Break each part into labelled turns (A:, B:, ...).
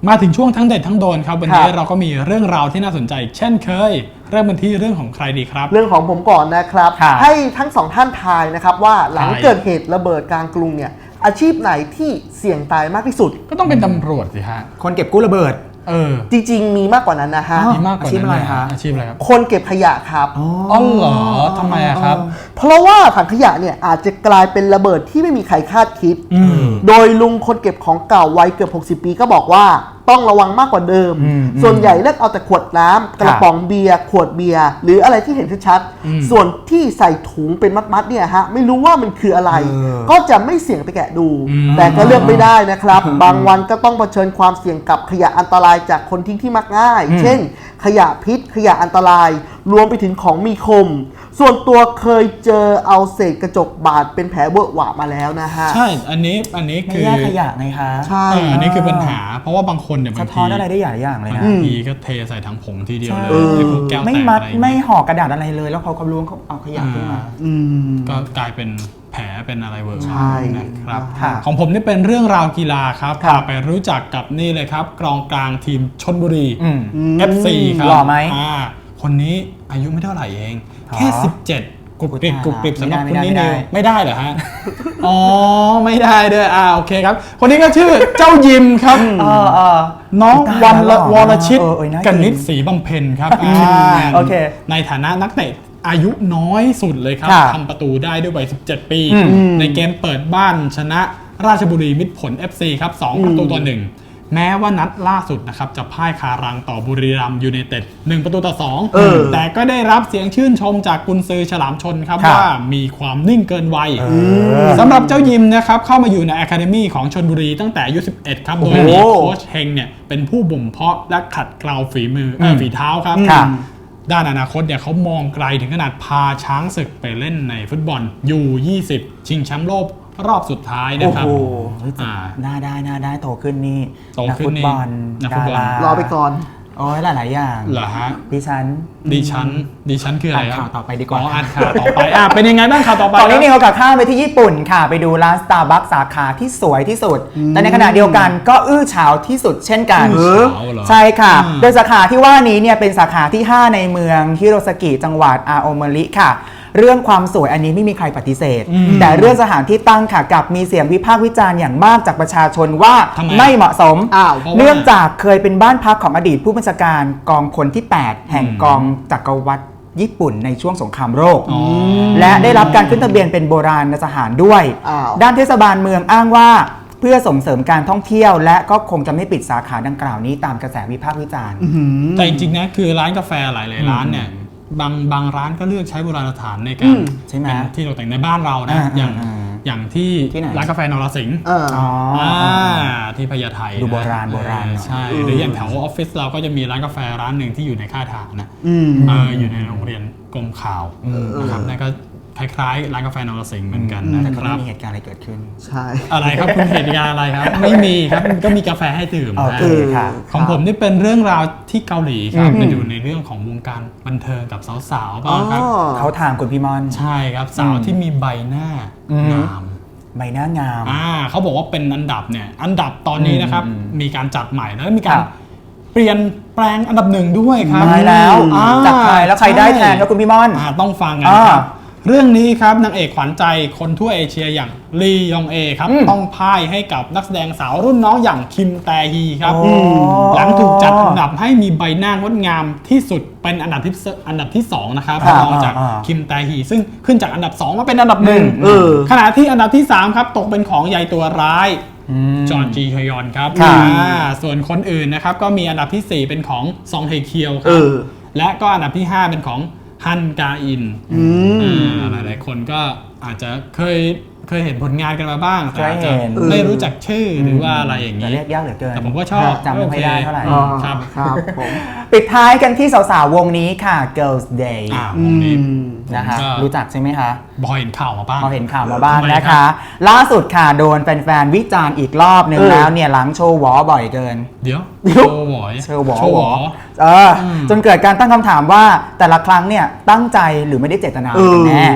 A: มาถึงช่วงทั้งเด็ดทั้งโดนครับวันนี้เราก็มีเรื่องราวที่น่าสนใจเช่นเคยเริ่มกันที่เรื่องของใครดีครับ
B: เรื่องของผมก่อนนะครับให้ทั้งสองท่านทายนะครับว่าหลังเกิดเหตุระเบิดกลางกรุงเนี่ยอาชีพไหนที่เสี่ยงตายมากที่สุด
A: ก็ต้องเป็นตำรวจสิฮะ
C: คนเก็บกู้ระเบิด
B: จริงๆมีมากกว่านั้นนะฮะ
A: มีมากกว่านั้นอะไรฮะอาชีพอะไรครับ
B: คนเก็บขยะครับ
A: อ๋อเหรอทำไมครับ
B: เพราะว่าถังขยะเนี่ยอาจจะกลายเป็นระเบิดที่ไม่มีใครคาดคิดโดยลุงคนเก็บของเก่าวัยเกือบ60 ปีก็บอกว่าต้องระวังมากกว่าเดิมส่วนใหญ่เลือกเอาแต่ขวดน้ำกระป๋องเบียร์ขวดเบียร์หรืออะไรที่เห็นชัดๆส่วนที่ใส่ถุงเป็นมัดๆเนี่ยฮะไม่รู้ว่ามันคืออะไรก็จะไม่เสี่ยงไปแกะดูแต่ก็เลือกไม่ได้นะครับบางวันก็ต้องเผชิญความเสี่ยงกับขยะอันตรายจากคนทิ้งที่มักง่ายเช่นขยะพิษขยะอันตรายรวมไปถึงของมีคมส่วนตัวเคยเจอเอาเศษกระจกบาดเป็นแผลเวอะหวะมาแล้วนะฮะ
A: ใช่อันนี้คือ
C: ไม่แยกขยะไงคะ
B: ใช่
A: อันนี้คือปัญหาเพราะว่าบางคนเนี่ยบางที
C: สะท้อนอะไรได้หลายอย่างเลยนะ
A: บางทีก็เทใส่ถังผงทีเดียวเลยแก้วแตก
C: ไม่มัดไม่ห่อกระดาษอะไรเลยแล้วเขาล้วงเขาเอาขยะขึ้นมา
A: ก็กลายเป็นแผลเป็นอะไรเวอร์
B: ใช่
A: นะครับของผมนี่เป็นเรื่องราวกีฬาครับพาไปรู้จักกับนี่เลยครับกองกลางทีมชลบุรี FC ครับ
C: หล่อไหม
A: คนนี้อายุไม่เท่าไหร่เองแค่17กรุบกริบสำหรับคนนี้เนี่ยไม่ได้เหรอฮะอ๋อไม่ได้ด้วยโอเคครับคนนี้ก็ชื่อเจ้ายิมครับน้องวรชิตกนิษฐ์ศรีบำเพ็ญครับ
C: โอเค
A: ในฐานะนักเตะอายุน้อยสุดเลยครับทำประตูได้ด้วยวัย17 ปีในเกมเปิดบ้านชนะราชบุรีมิตรผล FC ครับ2-1แม้ว่านัดล่าสุดนะครับจะพ่ายคารังต่อบุรีรัมย์ยูไนเต็ด1-2แต่ก็ได้รับเสียงชื่นชมจากกุนซือฉลามชนครับว่ามีความนิ่งเกินวัยสำหรับเจ้ายิมนะครับเข้ามาอยู่ในอะคาเดมี่ของชลบุรีตั้งแต่อายุ11ครับโดยมีโค้ชเฮงเนี่ยเป็นผู้บ่มเพาะและขัดเกลาฝีเท้าครับด้านอนาคตเนี่ยเขามองไกลถึงขนาดพาช้างศึกไปเล่นในฟุตบอลU20ชิงแชมป์โลกรอบสุดท้ายนะครับ
C: น่าได้โตขึ้นนี่
A: นักฟุตบอล
B: รอไปก่อน
C: โอ้ยหลายอย่าง
A: เหรอฮะ
C: ดิ
A: ฉันคืออะไร
C: ข่าวต่อไปดีกว่า
A: อ่านข่าวต่อไปเป็นยังไงบ้างข่าวต่อไป
C: ตอนนี้นี่เขากับข้ามไปที่ญี่ปุ่นค่ะไปดูร้าน Starbucks สาขาที่สวยที่สุดแต่ในขณะเดียวกันก็อื้อฉาวที่สุดเช่นกันใช่ค่ะโดยสาขาที่ว่านี้เนี่ยเป็นสาขาที่5ในเมืองฮิโรซากิจังหวัดอาโอเมริค่ะเรื่องความสวยอันนี้ไม่มีใครปฏิเสธแต่เรื่องสถานที่ตั้งค่ะกับมีเสียงวิพากษ์วิจารณ์อย่างมากจากประชาชนว่าไม่เหมาะสมเนื่องจากเคยเป็นบ้านพักของอดีตผู้บัญชาการกองพลที่8แห่งกองจักรวรรดิญี่ปุ่นในช่วงสงครามโลกและได้รับการขึ้นทะเบียนเป็นโบราณสถานด้วยด้านเทศบาลเมืองอ้างว่าเพื่อส่งเสริมการท่องเที่ยวและก็คงจะไม่ปิดสาขาดังกล่าวนี้ตามกระแสวิพากษ์วิจารณ์
A: แต่จริงๆนะคือร้านกาแฟหลายๆร้านเนี่ยบางร้านก็เลือกใช้โบราณสถานในการเป็นที่ตกแต่งในบ้านเรานะอย่างที่ร้านกาแฟนรสิงห์ที่พญาไท
C: ดูโบราณ
A: ใช่หรืออย่างแถวออฟฟิศเราก็จะมีร้านกาแฟร้านหนึ่งที่อยู่ในค่ายทหารนะอยู่ในโรงเรียนกรมข่าวนะครับนั่นก็คล้ายๆร้านกาแฟนรสิงห์เหมือนกันนะครับ
C: ไม่มีเหตุการณ์อะไรเกิดขึ้น
B: ใช่
A: อะไรครับคุณเหตุการณ์อะไรครับไม่มีครับก็มีกาแฟให้ดื่มนะของผมนี่เป็นเรื่องราวที่เกาหลีครับมาดูในเรื่องของวงการบันเทิงกับสาวๆบ้างครับ
C: เขาทางคุณพี่มอน
A: ใช่ครับสาวที่มีใบหน้างาม
C: ใบหน้างาม
A: เขาบอกว่าเป็นอันดับตอนนี้นะครับมีการจัดใหม่แล้วมีการเปลี่ยนแปลงอันดับ1ด้วยครับ
C: มาแล้วจากใครแล้วใครได้แทนแล้วคุณพี่มอน
A: ต้องฟังกันครับเรื่องนี้ครับนางเอกขวัญใจคนทั่วเอเชียอย่างลียองเอครับต้องพ่ายให้กับนักแสดงสาวรุ่นน้องอย่างคิมแตฮีครับหลังถูกจัดอันดับให้มีใบหน้างดงามที่สุดเป็นอันดับที่2นะครับรองจากคิมแตฮีซึ่งขึ้นจากอันดับ2มาเป็นอันดับ1ขณะที่อันดับที่3ครับตกเป็นของยายตัวร้ายจอห์นจีฮยอนครับส่วนคนอื่นนะครับก็มีอันดับที่4เป็นของซองเฮเคียวครับและก็อันดับที่5เป็นของฮันกาอินหลายๆคนก็อาจจะเคยเห็นผลงานกันมาบ้างแต่อาจจะไม่รู้จักชื่อหรือว่าอะไรอย่างนี้
C: เรียกยากเหลือเกิน
A: แต่ผมก็ชอบ
C: จำไม่ได้เท่าไหร่
A: ครับ
C: ผมปิดท้ายกันที่สาวๆวงนี้ค่ะ Girls Day
A: วงนี้
C: นะคะรู้จักใช่ไหมคะ
A: พอเห็นข่าวมาบ้าง
C: นะคะล่าสุดค่ะโดนแฟนๆวิจารณ์อีกรอบหนึ่งแล้วเนี่ยหลังโชว์หวอบ่อยเกิน
A: เดี๋ยวโชว์หวอ
C: จนเกิดการตั้งคำถามว่าแต่ละครั้งเนี่ยตั้งใจหรือไม่ได้เจตนากันแน่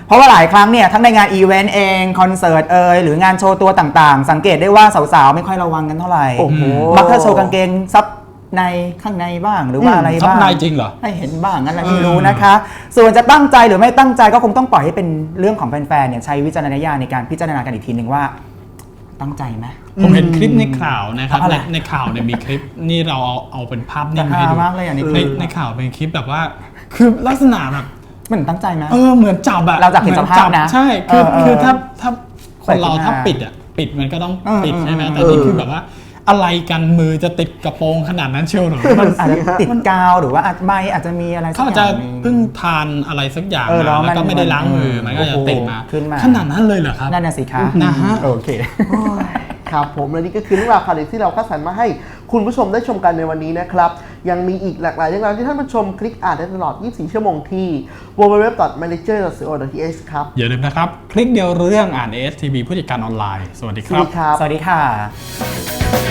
C: เพราะว่าหลายครั้งเนี่ยทั้งในงานอีเวนต์เองคอนเสิร์ตหรืองานโชว์ตัวต่างๆ สังเกตได้ว่าสาวๆไม่ค่อยระวังกันเท่าไหร่
B: โอ้โห
C: มักจะโชว์กางเกงซับในข้างในบ้างหรือว่าอะไร
A: ซับ
C: บ้าง
A: ในจริงเหรอ
C: ให้เห็นบ้างงั้นแหละไม่รู้นะคะ ส่วนจะตั้งใจหรือไม่ตั้งใจก็คงต้องปล่อยให้เป็นเรื่องของแฟนๆเนี่ยใช้วิจารณญาณในการพิจารณากันอีกทีหนึ่งว่าตั้งใจไหม
A: ผมเห็นคลิปในข่าวนะครับ
C: อะไร
A: ในข่าวเนี่ยมีคลิปนี่เราเอาเป็นภาพนิ่งมาให้ดู
C: มากเลยอันนี้
A: ในข่าวเป็นคลิปแบบว่า คือลักษณะแบบ
C: เหมือนตั้งใจไหม
A: เหมือนจับอะ
C: เราจากเห็นสภาพนะ
A: ใช่คือ
C: เออ
A: ถ้าคนเรา
C: ใส่ขึ้นมา
A: ถ้าปิดอะปิดมันก็ต้องปิด
C: เออ
A: ใช่ไหม
C: เออ
A: แต่นี่คือแบบว่าอะไรกันมือจะติดกระโปรงขนาดนั้นเชียวหรือมัน
C: อาจจะติดกาวหรือว่าใบอาจจะมีอะไรสั
A: เขา
C: ก
A: อาจ
C: อ
A: จะ
C: ย่างหนึ่ง
A: เพิ่งทานอะไรสักอย่าง
C: เออแล้ว
A: มาแล้วก็
C: มัน
A: ไม่ได้ล้างมือมันก็จะติดมา
C: ขึ้นมา
A: ขนาดนั้นเลยเหรอครับ
C: นั่นน่ะสิคะ
A: นะฮะ
C: โอเค
B: ครับผมและนี่ก็คือเรื่องราวข่าวเด็ดที่เราคัดสรรมาให้คุณผู้ชมได้ชมกันในวันนี้นะครับ ยังมีอีกหลากหลายเรื่องราวที่ท่านผู้ชมคลิกอ่านได้ตลอด 24 ชั่วโมงที่ www.manager.co.th ครับ
A: อย่าลืมนะครับ คลิกเดียวรู้เรื่องอ่าน ASTV ผู้จัดการออนไลน์ สวัสดีค
B: สวั
A: รั
B: ส
A: บ
B: ดีครับ
C: สวัสดีค่ะ